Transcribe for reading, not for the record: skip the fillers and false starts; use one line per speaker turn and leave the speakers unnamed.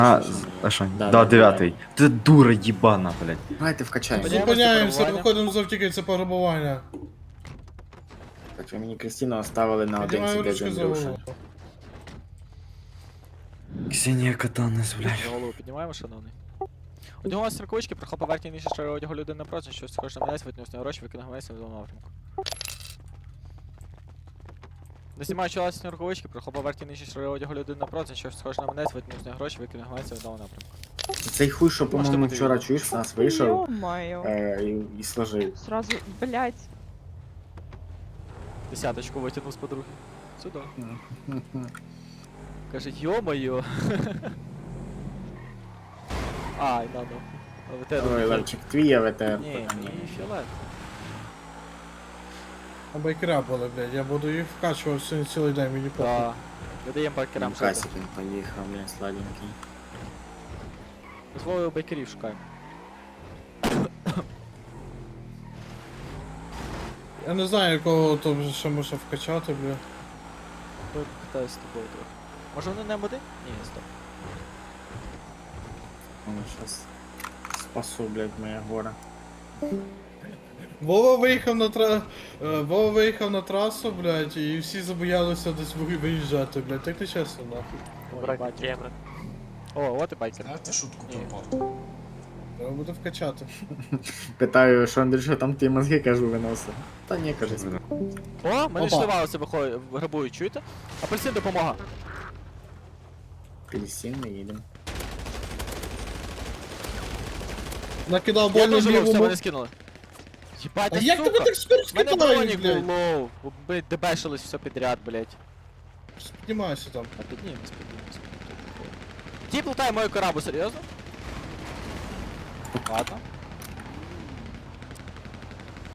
А що?
Да,
Да,
да,
дев'ятий. Ти дура їбана, блядь.
Давайте вкачаємо.
Зупиняємося, виходимо з автівки, це пограбування.
Так, ви мені Кристину оставили на
Піднімаю
один
ручки
без
за
Андрюша.
голову.
Ксенія Катанес, блядь.
Голову піднімаємо, шановний. Одягнулася з рукавички, прохопив поверхні ніж що одягу людини напроти, щось схоже на мене, витягнув з нього гроші, викинув мене в зону напрямку. Доснімаючи власні рукавички, прохопив поверхні ніж що одягу людини напроти, щось схоже на мене, витягнув з нього гроші, викинув мене в зону напрямку.
Цей хуй, що, по-моєму,
бути
вчора
відео.
чуєш, нас вийшов
Ё-моё.
і сложив.
Сразу, блядь.
Десяточку витягнув з подруги. Сюди. Каже, йо-моє. Ай, надо.
Ой, Левчик, твій АВТР.
Ні, ні, фіолет.
А байкера були, блядь, я буду їх вкачувати сьогодні цілий день, мені похуй.
Да. Видаємо байкерам шоти.
Касик він поїхав, блін, сладенький.
Дозволив байкерів шукаємо.
Я не знаю, якого то ще можна вкачати, блядь.
Тут питаюсь з тобою трохи. Може вони не М1? Ні, стоп.
Ну, щас спасу, блядь, моє горе.
Вова виїхав на трасу, блядь, і всі забоялися десь виїжджати, блядь, так не чесно, нахуй.
Ой, бачу. О, от і байкер.
Знаєте шутку
Ні.
про порт?
Треба буде вкачати.
Питаю, що Андрюша, там ті мозги, кажу, виносив. Та ні, каже,
О, мене
Опа.
шливалося виходить, грабують, чуєте? Апельсин допомога.
апельсин, ми їдемо.
Накидав
Я
больно
дуже все,
лівому.
мене скинули. Єбать,
А
та
як
сука!
тебе так скоро
Мене
скидають,
бронік
блядь?
був лоу. Блядь, дебешились все підряд, блядь.
Піднімайся там.
А піднімемось. Тіп лутає мою корабу, серйозно? Ладно.